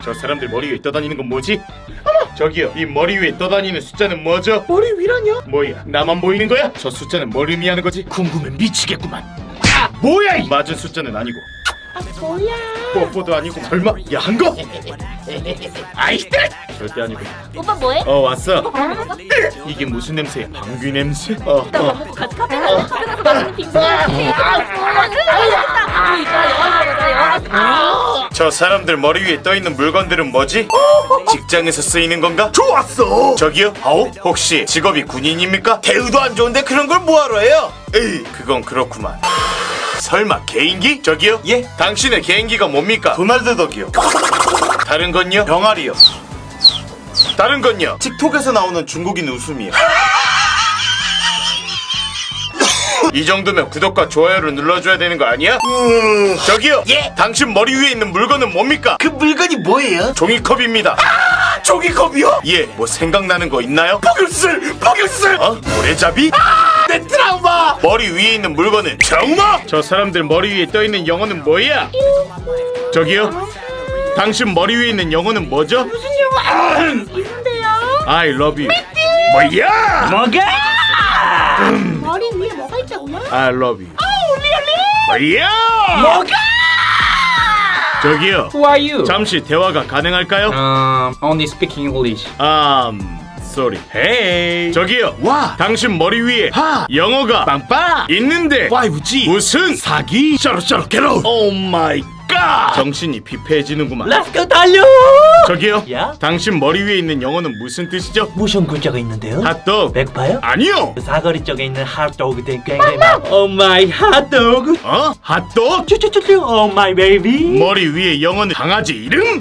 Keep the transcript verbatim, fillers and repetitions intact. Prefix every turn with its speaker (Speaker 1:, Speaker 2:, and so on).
Speaker 1: 저 사람들 머리 위에 떠다니는 건 뭐지? 어머! 저기요, 이 머리 위에 떠다니는 숫자는 뭐죠? 머리 위라뇨? 뭐야, 나만 보이는 거야? 저 숫자는 뭘 의미하는 거지? 궁금해 미치겠구만. 아, 뭐야 이 맞은 숫자는 아니고
Speaker 2: 아 뭐야?
Speaker 1: 뽀뽀도 아니고 설마 야한 거? 아이들! 절대 아니고.
Speaker 2: 오빠 뭐해?
Speaker 1: 어 왔어.
Speaker 2: 아,
Speaker 1: 이게 무슨 냄새야? 방귀 냄새? 어,
Speaker 2: 나
Speaker 1: 어.
Speaker 2: 밥 먹고 같이 카페 가자. 카페 가서 맛있는 빙수 먹을게.
Speaker 1: 저 사람들 머리 위에 떠 있는 물건들은 뭐지? 직장에서 쓰이는 건가?
Speaker 3: 좋았어.
Speaker 1: 저기요? 아오? 혹시 직업이 군인입니까?
Speaker 3: 대우도 안 좋은데 그런 걸 뭐하러 해요?
Speaker 1: 에이, 그건 그렇구만. 설마 개인기? 저기요?
Speaker 3: 예?
Speaker 1: 당신의 개인기가 뭡니까?
Speaker 3: 도날드 덕이요.
Speaker 1: 다른 건요?
Speaker 3: 병아리요.
Speaker 1: 다른 건요?
Speaker 3: 틱톡에서 나오는 중국인 웃음이요.
Speaker 1: 이 정도면 구독과 좋아요를 눌러줘야 되는 거 아니야?
Speaker 3: 음...
Speaker 1: 저기요?
Speaker 3: 예?
Speaker 1: 당신 머리 위에 있는 물건은 뭡니까?
Speaker 3: 그 물건이 뭐예요?
Speaker 1: 종이컵입니다.
Speaker 3: 아, 종이컵이요?
Speaker 1: 예, 뭐 생각나는 거 있나요?
Speaker 3: 포귤술! 포귤술!
Speaker 1: 어? 모래잡이?
Speaker 3: 아, 내 트라우마!
Speaker 1: 머리 위에 있는 물건은 정마! 저 사람들 머리 위에 떠 있는 영어는 뭐야? 저기요? 당신 머리 위에 있는 영어는 뭐죠?
Speaker 2: 무슨 영화? 있는데요?
Speaker 1: I love you. 뭐야?
Speaker 3: 뭐가?
Speaker 2: 머리 위에 뭐가 있다고요?
Speaker 1: I love you.
Speaker 2: 아 올리 올리.
Speaker 1: 뭐야?
Speaker 3: 뭐가?
Speaker 1: 저기요.
Speaker 4: Who are you?
Speaker 1: 잠시 대화가 가능할까요?
Speaker 4: Um, only speaking English.
Speaker 1: Um, sorry. Hey. 저기요.
Speaker 3: 와!
Speaker 1: 당신 머리 위에
Speaker 3: 하!
Speaker 1: 영어가
Speaker 3: 빵빵!
Speaker 1: 있는데
Speaker 3: 파이브 지!
Speaker 1: 무슨
Speaker 3: 사기! 샤로샤로 게로!
Speaker 1: 오 마이 갓! 정신이 피폐해지는구만.
Speaker 5: Let's go 달려!
Speaker 1: 저기요.
Speaker 5: 야?
Speaker 1: 당신 머리 위에 있는 영어는 무슨 뜻이죠?
Speaker 5: 무슨 글자가 있는데요?
Speaker 1: 핫도그.
Speaker 5: 배고파요?
Speaker 1: 아니요.
Speaker 5: 사거리 쪽에 있는 핫도그 된 굉장히 많아. 오 마이 핫도그.
Speaker 1: 어? 핫도그?
Speaker 5: 쭈쭈쭈쭈. 오 마이 베이비.
Speaker 1: 머리 위에 영어는 강아지 이름?